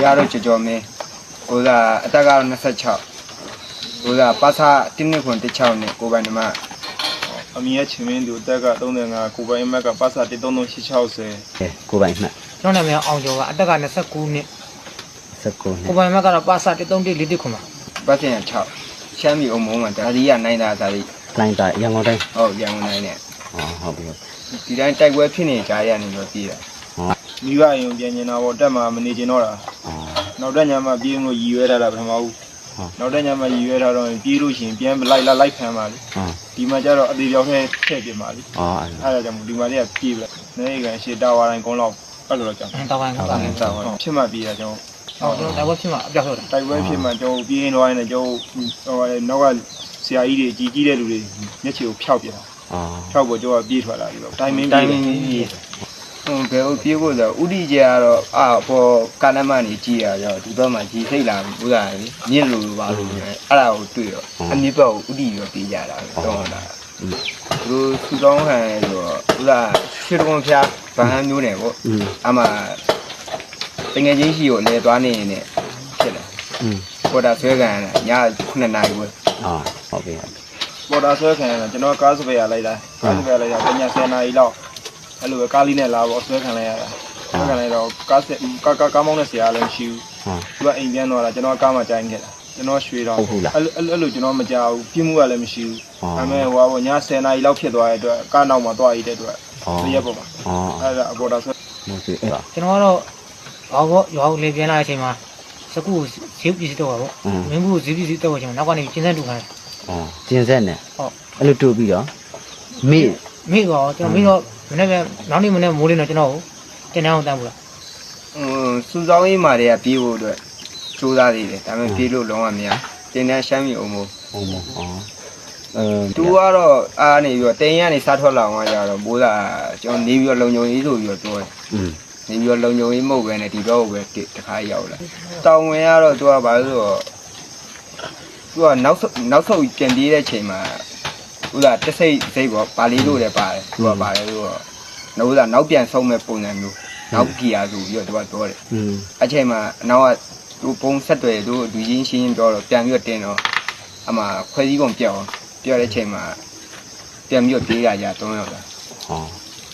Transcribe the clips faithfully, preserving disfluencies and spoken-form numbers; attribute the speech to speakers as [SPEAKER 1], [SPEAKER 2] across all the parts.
[SPEAKER 1] ကတော့ကြော်ကြော်မင်းဟိုကအတက်ကတော့နှစ်ဆယ့်ခြောက်ဟိုကပါစာတင်းနှစ်ခွန်တစ်ချောင်းနဲ့ကိုပိုင်နမ
[SPEAKER 2] အမီရဲ့ချင်းမင်းသူတက်ကသုံး၅ကိုပိုင်မက်ကပါစာတစ်သုံးသုံးရှစ်၆၀
[SPEAKER 3] ကိုပိုင်မှတ်
[SPEAKER 4] ကျွန်တော်နာမည်အောင်ကျော်ကအတက်ကနှစ်ဆယ့်ကိုနှစ်
[SPEAKER 3] ဆက်ကို
[SPEAKER 4] ကိုပိုင်မက်ကတော့ပါစာတစ်သုံးတစ်လေးတစ်ခွန်ပါ
[SPEAKER 1] ပတ်စင်ခြောက်ရှမ်းပြည်အုံမုံမှာဒါဒီကနိုင်တာစာလေး
[SPEAKER 3] လိုင်းတာရန်ကုန်တိုင်း
[SPEAKER 1] ဟုတ်ရန်ကုန်တိုင်းနဲ့
[SPEAKER 3] ဟောဟုတ်ပြီ
[SPEAKER 1] ဒီတိုင်းတိုက်ပွဲဖြစ်နေကြရနေတော့ပြည်တာ
[SPEAKER 2] မိဘအိမ်ပြန်နေတာပေါ့တက်မှာမနေချင်တော့တာနောက်တက်ညမှာပြေးလို့ရည်ရွယ်ထားတာပထမဦးနောက်တက်ညမှာရည်ရွယ်ထားတော့ပြေးလို့ရှိရင်ပြန်လိုက်လာလိုက်ခံပါလေဒီမှာကျတော့အသေးပြောင်းထဲထည့်ပြပါလေအဲ့ဒါကြောင့်ဒီမှာလေးကပြေးပြီနေကန်ရှေ့တာဝါတိုင်းကုန်းလောက်အဲ့လိုတော့ကြောင့်
[SPEAKER 4] တာဝါတိုင်းတာဝါတိုင်း
[SPEAKER 2] ဖြစ်မှပြေးတာကျွန်
[SPEAKER 4] တော်ဟုတ်တော့တိုက်ပွဲဖြစ်မှအပြောက်ဟုတ်တာ
[SPEAKER 2] တိုက်ပွဲဖြစ်မှကျွန်တော်ပြေးရင်တော့လည်းကျွန်တော်ဟိုနောက်ကဆရာကြီးတွေကြီးကြီးတဲ့လူတွေမျက်ခြေကိုဖျောက်ပြတာဖျောက်ပေါ်ကျွန်တော်ပြေးထွက်လာပြီပေါ့တိုင်မင်း
[SPEAKER 1] တိုင်မင်းကြီးဟိုဘယ်လိုပြေးဖို့ဆိုဥတီကျကတော့အာပေါ်ကာနမနေကြည့်ရတော့ဒီဘက်မှာကြီးစိတ်လာဘူးလားမြင့်လို့ပါလို့အဲ့ဒါကိုတွေ့တော့အမြင့်ဘက်ကိုဥတီရောပြေးကြတာတော့တာသူတို့စူတောင်းခံဆိုတော့ဥလားရှစ်တုံးဖျားဗဟန်းမျိုးနယ်ပေါ့အမှတငယ်ချင်းရှိကိုလဲသွားနေရင်လည်းဖြစ်တယ်ပေါ်တာဆွဲခံရတာညခုနှစ်နာရီပဲ
[SPEAKER 3] အာဟုတ်ပြီ
[SPEAKER 2] ပေါ်တာဆွဲခံရတာကျွန်တော်ကားစပယ်ရလိုက်တာကားစပယ်လိုက်တာညဆယ်နာရီလောက်အဲ့လိုပဲကားလေးနဲ့လာပေါ့ဆွဲခံလိုက်ရတာဆွဲခံလိုက်တော့ကားကားကားမောင်းတဲ့ဆရာလည်းမရှိဘူးသူကအိမ်ပြန်သွားတာကျွန်တော်ကားမှကြိုင်းခဲ့တာကျွန်တော်ရွှေတော့အဲ့အဲ့လိုကျွန်တော်မကြောက်ဘူးပြင်းမှုကလည်းမရှိဘူးဒါပေမဲ့ဟိုကညဆယ်နာရီလောက်ဖြစ်သွားတဲ့အတွက်ကားနောက်မှာသွားရတဲ့အတွက်ရက်ပေါ်မှာအဲ့ဒါအပေါ်တာဆွဲ
[SPEAKER 3] ဟုတ်ပြီအဲ့ဒါ
[SPEAKER 4] ကျွန်တော်ကတော့ဘာဘောရွာကိုလေပြန်လာတဲ့အချိန်မှာစကူဈေးပစ္စည်းတော့ပါပေါ့မင်းဘူးဈေးပစ္စည်းတော့ကျွန်တော်နောက်ကနေကျင်းဆက်တူခိုင်း
[SPEAKER 3] အော်ကျင်းဆက်နဲ့ဟုတ်အဲ့လိုတူပြီးတော့မိ
[SPEAKER 4] မိတော့ကျွန်တော်မိတော့မနေ့ကနောက်နေ့မနေ့မိုးလင်းတော့ကျွန်တော်တင်တန်းအောင်တန်းဘူးလား
[SPEAKER 1] ဟိုစူဆောင်းရေးမာတွေကပြေးဖို့အတွက်ကြိုးစားသေးတယ်ဒါပေမဲ့ပြေးလို့လုံးဝမရတင်တန်းရှမ်းပြည်အုံမို့
[SPEAKER 3] အုံမို့အော်
[SPEAKER 1] အဲသူကတော့အားနေပြီးတော့တင်ရကနေစားထွက်လာအောင်ကြတော့မိုးလာကျွန်တော်နေပြီးတော့လုံုံရေးဆိုပြီးတော့ပြောတယ်อืมနေပြီးတော့လုံုံရေးမဟုတ်ပဲနဲ့ဒီဘက်ကိုပဲတခါရောက်လာတောင်ဝင်ကတော့သူကဘာလို့ဆိုတော့သူကနောက်နောက်ဆုတ်ပြန်ပြေးတဲ့ချိန်မှာဥလားတစိတ်စိတ်ပေါ့ပါလီလို့လည်းပါတယ်သူကပါတယ်ဆိုတော့နောက်ဥလားနောက်ပြန်ဆုံးမဲ့ပုံစံမျိုးနောက်ကြည်ရဆိုပြီးတော့သူကပြောတယ်อืมအချိန်မှာအနောက်ကသူပုံဆက်တွေသူလူချင်းရှင်းရှင်းပြောတော့ပြန်ပြီးတော့တင်တော့အမှခွဲစည်းပုံပြောင်းပြောတဲ့ချိန်မှာပြန်ပြီးတော့ပြေးရကြသုံးယောက်လာဟော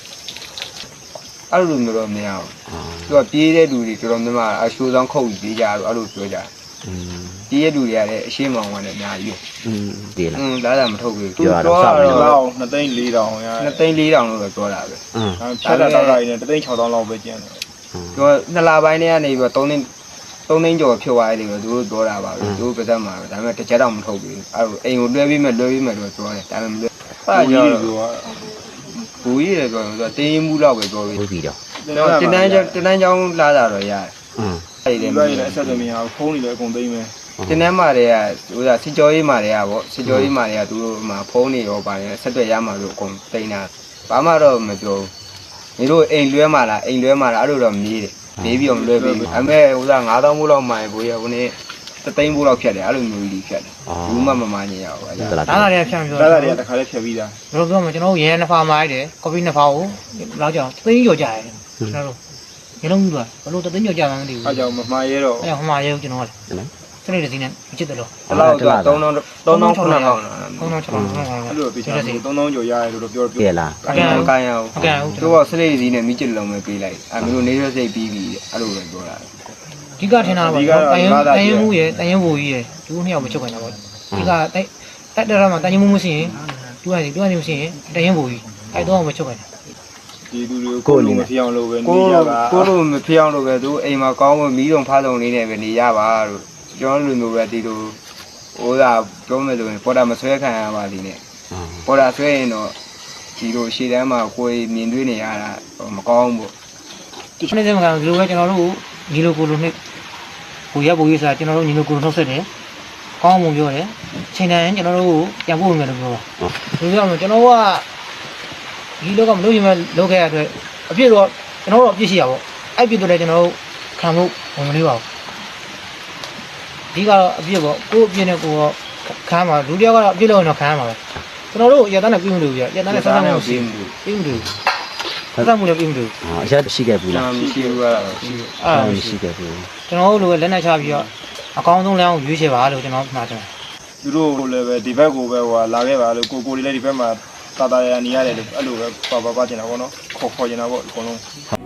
[SPEAKER 1] အဲ့လိုမျိုးတော့မရဘူးသူကပြေးတဲ့လူတွေတော်တော်များများအရှိုးဆောင်ခုတ်ပြီးပြေးကြတော့အဲ့လိုပြောကြတယ်อืมပြေးတဲ့လူတွေကလည်းအရှိမောင်ကနေအများကြီးอืมပြေးလားอืมဒါသာမထုတ်ဘူး
[SPEAKER 3] ပြောတော့စောက်
[SPEAKER 2] ပြီးတော့နှစ်သိန်းလေးတောင်ရ
[SPEAKER 1] နှစ်သိန်းလေးတောင်လို့ပဲပြောတာပဲ
[SPEAKER 2] อืมဖြတ်တာတော့လိုက်နေတစ်သိန်း၆သောင်းလောက်ပဲကျန်တယ်
[SPEAKER 1] သူကနှစ်လပိုင်းတည်းကနေပြီးတော့သုံးသိန်းသုံးသိန်းကျော်ဖြုတ်သွားတယ်လို့သူတို့ပြောတာပါပဲသူတို့ပါသက်မှာပဲဒါပေမဲ့တစ်ချက်တော့မထုတ်ဘူးအဲ့လိုအိမ်ကိုလွှဲပြီးမှလွှဲပြီးမှတော့ပြောတယ်ဒါပေမဲ့မလွှဲ
[SPEAKER 2] အဲ့ကြောင့်ပြော
[SPEAKER 1] ဘူကြီးတယ်ပြောတော့တင်းရင်မှုလောက်ပဲပြောပြီး
[SPEAKER 3] ဟုတ်ပြီတော့
[SPEAKER 1] တင်တန်းကျောင်းတင်တန်းကျောင်းလာတာတော့ရတယ်
[SPEAKER 2] อืมအဲ့ဒီလည်းအဆက်သမီးဟာဖုန်းနေလည်းအကုန်သိမ်းမယ်
[SPEAKER 1] တင်တန်းမာတွေကဟိုကစစ်ကြောရေးမာတွေကပေါ့စစ်ကြောရေးမာတွေကသူတို့မှာဖုန်းနေရောပါတယ်ဆက်သွယ်ရမှာလို့အကုန်သိမ်းတာဘာမှတော့မပြောဘူးနေတို့အိမ်လွှဲမှာလားအိမ်လွှဲမှာလားအဲ့လိုတော့မေးတယ်မေးပြီးအောင်လွှဲပြီးအမေဟိုကငါးသောင်းဘိုးလောက်မှန်ဘိုးရဟိုနေ့တသိန်းဘိုးလောက်ဖြတ်တယ်အဲ့လိုမျိုးကြီးဖြတ်တယ်ဘူးမှမမှန်ညင်ရအောင်ဗျာ
[SPEAKER 4] ဒါသာတွေကဖြတ်ပြော
[SPEAKER 2] ဒါသာတွေကတခါလေးဖြတ်ပြီးသား
[SPEAKER 4] ဘယ်လိုပြောမလဲကျွန်တော်ရဲနှစ်ဖာမိုက်တယ်ကော်ဖီနှစ်ဖာကိုလောက်ကြအောင်သိန်းကျော်ကြရတယ်ကျွန်တော်တို့ရလုံးကြီးပါဘယ်လိုတသိန်းကျော်ကြမှန်းမသိဘူး
[SPEAKER 2] အဲ့ကြောင့်မမှားရဲတော့
[SPEAKER 4] အဲ့ဟိုမှာရဲကျွန်တော်ကစနေတစီနဲ့မချစ်တယ်လို့
[SPEAKER 1] အဲ့လောက်တော့သုံးသောင်းသုံးသောင်းခုနှစ်ထောင်
[SPEAKER 4] သုံးသောင်းခြောက်ထောင်
[SPEAKER 2] အဲ့လိုပြချင်တယ်သုံးသောင်းကျော်ရတယ်လို့ပြောပြော
[SPEAKER 3] ပြလား
[SPEAKER 1] အကန်အကန်ရအောင်အကန်ဟုတ်သူကစနေတစီနဲ့မိချစ်လုံးပဲပေးလိုက်အဲ့မျိုးနေရစိတ်ပြီးပြီအဲ့လိုပဲပြောတာ
[SPEAKER 4] ဒီကထင်တာပါတန်ရင်တန်ရင်မှုရယ်တန်ရင်ဘူကြီးရယ်သူတို့နှစ်ယောက်မချုပ်ခိုင်းတာပေါ့ဒီကတိုက်တက်တရမှာတန်ရင်မှုမရှိရင်သူကစီသူကနေမရှိရင်တန်ရင်ဘူကြီးအဲ့တော့မချုပ်ခိုင်းတာ
[SPEAKER 2] ဒီသူတွေကိုလိုမဖြစ်အောင်လုပ်ပဲနေရပါ
[SPEAKER 1] ကိုလိုမဖြစ်အောင်လုပ်ပဲသူအိမ်မှာကောင်းဝင်မီးတုံဖားတုံလေးနဲ့ပဲနေရပါလို့ကျွန်တော်လူမျိုးပဲဒီလိုဟိုကပြောမယ်ဆိုရင်ပေါ်တာမဆွဲခံရပါလိမ့်နဲ့ပေါ်တာဆွဲရင်တော့ဒီလိုရှေ့တန်းမှာကိုယ်မြင်တွေ့နေရတာမကောင်းဘူး
[SPEAKER 4] ဒီနေ့စမကဒီလိုပဲကျွန်တော်တို့ညီလိုကိုလိုနဲ့ဘူရဘူရဆိုတာကျွန်တော်တို့ညီလိုကိုလိုနှုတ်ဆက်တယ်ကောင်းမှုပြောတယ်ချိန်တိုင်းကျွန်တော်တို့ပြန်ပို့မယ်လို့ပြောတာဒီလိုကြောင့်ကျွန်တော်ကဒီလောကမလို့ရင်မလုပ်ခဲ့ရတဲ့အတွက်အပြစ်တော့ကျွန်တော်တို့အပြစ်ရှိရပါဘောအဲ့ပြစ်တော့လည်းကျွန်တော်တို့ခံဖို့ဝင်မလေးပါဘူးဒီကတော့အပြစ်ပေါ့ကိုယ်အပြစ်နဲ့ကိုယ်ခံမှာလူတယောက်ကတော့အပြစ်လို့တော့ခံရမှာပဲကျွန်တော်တို့ရတန်းနဲ့ပြင်းမလို့ပြရတန်းနဲ့ဆက်ဆံမှု
[SPEAKER 1] ပြင်းမှု
[SPEAKER 4] ပြင်းမှု
[SPEAKER 3] ဆ
[SPEAKER 4] ဆက်ဆက်မှုလည်းပြီးမလို့
[SPEAKER 3] အရက်ရှိခဲ့ဘူးလား
[SPEAKER 1] မရှိဘူးကတော့ရှိတယ်
[SPEAKER 4] အဲ့ဒါ
[SPEAKER 3] မရှိခဲ့ဘူး
[SPEAKER 4] ကျွန်တော်တို့လိုလက်နဲ့ချပြီးတော့အကောင်းဆုံးလမ်းကိုရွေးချယ်ပါလို့ကျွန်တော်မှာတယ်
[SPEAKER 2] သူတို့လည်းပဲဒီဘက်ကိုပဲဟိုလာခဲ့ပါလို့ကိုကိုလေးလည်းဒီဘက်မှာတာတာရရနေရတယ်လို့အဲ့လိုပဲပါပါပါကျင်တာပေါ့နော်ခေါ်ခေါ်ကျင်တာပေါ့အကုန်လုံး